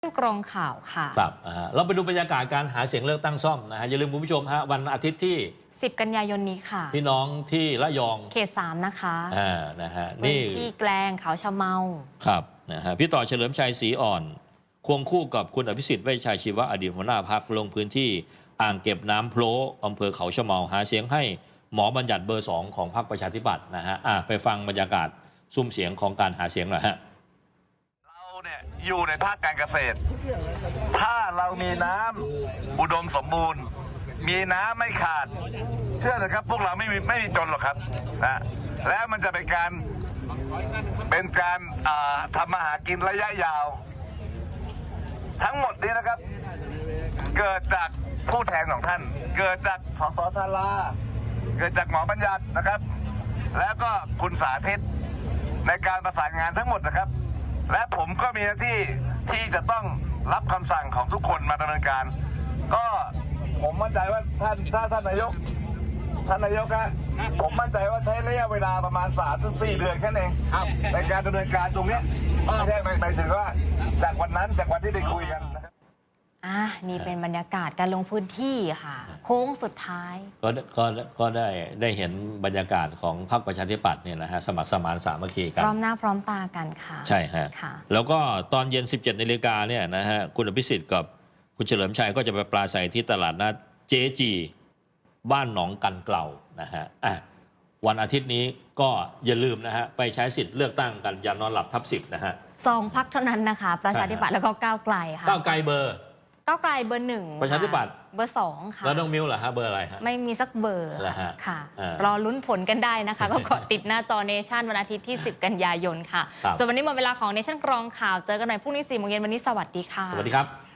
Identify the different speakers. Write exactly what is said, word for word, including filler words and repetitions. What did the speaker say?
Speaker 1: กรองข่าวค่ะ
Speaker 2: ครับเราไปดูบรรยากาศการหาเสียงเลือกตั้งซ่อมนะฮะอย่าลืมคุณผู้ชมฮะวันอาทิตย์ที่
Speaker 1: สิบกันยายนนี้ค่ะ
Speaker 2: พี่น้องที่ระยอง
Speaker 1: เขตสามนะคะ
Speaker 2: อ่านะฮะ
Speaker 1: นี่ที่แกลงเขาชะเมา
Speaker 2: ครับนะฮะพี่ต่อเฉลิมชัยศรีอ่อนควงคู่กับคุณอภิสิทธิ์เวชชัยชีวะอดีตหัวหน้าพรรคลงพื้นที่อ่างเก็บน้ำโพลอำเภอเขาชะเมาหาเสียงให้หมอบัญญัติเบอร์สองของพรรคประชาธิปัตย์นะฮะอ่ะไปฟังบรรยากาศซุ้มเสียงของการหาเสียงหน่อยฮะ
Speaker 3: เราเนี่ยอยู่ในภาคการเกษตรถ้าเรามีน้ำอุดมสมบูรณ์มีน้ำไม่ขาดเชื่อเลยครับพวกเราไม่มีไม่มีจนหรอกครับนะแล้วมันจะเป็นการเป็นการทำมาหากินระยะยาวทั้งหมดนี้นะครับเกิดจากผู้แทนของท่านเกิดจากสสธาราเกิดจากหมอบัญญัตินะครับแล้วก็คุณสาธิตในการประสานงานทั้งหมดนะครับและผมก็มีหน้าที่ที่จะต้องรับคำสั่งของทุกคนมาดำเนินการก็ผมมั่นใจว่าท่านถ้าท่านนายกท่านนายกครับผมมั่นใจว่าใช้ระยะเวลาประมาณสามถึงสี่เดือนแค่นั้นเองในการดำเนินการตรงนี้ไม่ใช่หมายถึงว่าจากวันนั้นจากวันที่ได้คุยกันนะครับ
Speaker 1: อ่ะนี่เป็นบรรยากาศการลงพื้นที่ค่ะโค้งสุดท้าย
Speaker 2: ก็ก็ก็ได้ได้เห็นบรรยากาศของพรรคประชาธิปัตย์เนี่ยนะฮะสมัครสมานสามัคคีกัน
Speaker 1: พร้อมหน้าพร้อมตากันค่ะ
Speaker 2: ใช่ฮะ
Speaker 1: ค่ะ
Speaker 2: แล้วก็ตอนเย็น สิบเจ็ดนาฬิกาเนี่ยนะฮะคุณอภิสิทธิ์กับคุณเฉลิมชัยก็จะไปปราศัยที่ตลาดนัดเจจีบ้านหนองกันเกลานะฮะอ่ะวันอาทิตย์นี้ก็อย่าลืมนะฮะไปใช้สิทธิ์เลือกตั้งกันอย่านอนหลับทับสิบนะฮะ
Speaker 1: สองพักเท่านั้นนะคะประชาธิปัตย์แล้วก็ก้าวไกลค่ะ
Speaker 2: ก้าวไกลเบอร์
Speaker 1: ก้าวไกลเบอร์หนึ่ง
Speaker 2: ประชาธิปัตย์
Speaker 1: เบอร์สองค่ะ
Speaker 2: แล้วน้องมิวเหรอฮะเบอร์อะไรฮะ
Speaker 1: ไม่มีสักเบอร์ค่ะรอลุ้นผลกันได้นะคะก็กดติดหน้าจอเนชั่นวันอาทิตย์ที่สิบกันยายนค่ะส่วนวันนี้หมดเวลาของเนชั่นกรองข่าวเจอกันใหม่พรุ่งนี้สี่โมงเย็นวันนี้สวัสดีค่ะ
Speaker 2: สวัสดีครับ